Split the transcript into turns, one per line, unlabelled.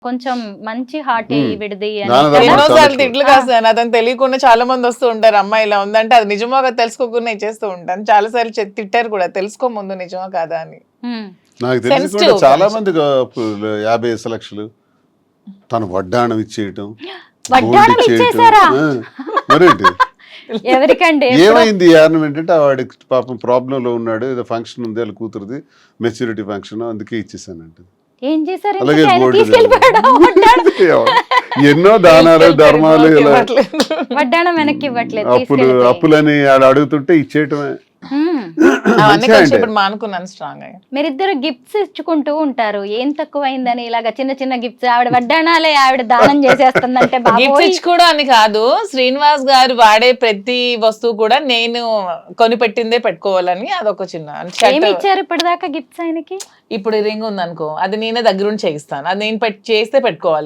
కొంచెం మంచి హార్ట్ విడిది
ఎన్నోసార్లు తిట్లు కాస్తాను, అతను తెలియకుండా చాలా మంది వస్తూ ఉంటారు, అమ్మాయి ఇలా ఉందంటే అది నిజమో కదా తెలుసుకోకుండా ఇచ్చేస్తూ ఉంటాను. చాలా సార్లు తిట్టారు కూడా, తెలుసుకో ముందు నిజమో కాదా అని.
నాకు తెలిసి కూడా చాలా మంది 50 లక్షలు తను వడ్డాణం ఇచ్చేయటం,
వడ్డాణం ఇచ్చేసారా?
మరేంటి
ఎవరికండి?
ఏమైంది కారణం ఏంటంటే వాడికి పాపం ప్రాబ్లం లో ఉన్నాడు, ఏదో ఫంక్షన్ ఉంది వాళ్ళ కూతురుది, మెచ్యూరిటీ ఫంక్షన్, అందుకే ఇచ్చేసానంట.
ఏం చేశారు?
అలాగే ఎన్నో దానాలు ధర్మాలు ఇలా
వడ్డాణం వెనక్కి ఇవ్వట్లేదు,
అప్పులని అడుగుతుంటే ఇచ్చేయటమే.
ఇప్పుడు మానుకున్నాను స్ట్రాంగ్ గా.
మీరిద్దరు గిఫ్ట్స్ ఇచ్చుకుంటూ ఉంటారు, ఏం తక్కువైందని ఇలాగా చిన్న చిన్న గిఫ్ట్స్. ఆవిడ వడ్డాణాలే ఆవిడ దానం చేసేస్తుందంటే
గిఫ్ట్స్ ఇచ్చుకోవడం అని కాదు, శ్రీనివాస్ గారు వాడే ప్రతి వస్తువు కూడా నేను కొనిపెట్టిందే పెట్టుకోవాలని అదొక చిన్న.
ఏమి ఇచ్చారు ఇప్పటిదాకా గిఫ్ట్స్ ఆయనకి?
ఇప్పుడు రింగ్ ఉంది అనుకో, అది నేనే దగ్గరుండి చేయిస్తాను, అది నేను చేస్తే పెట్టుకోవాలి.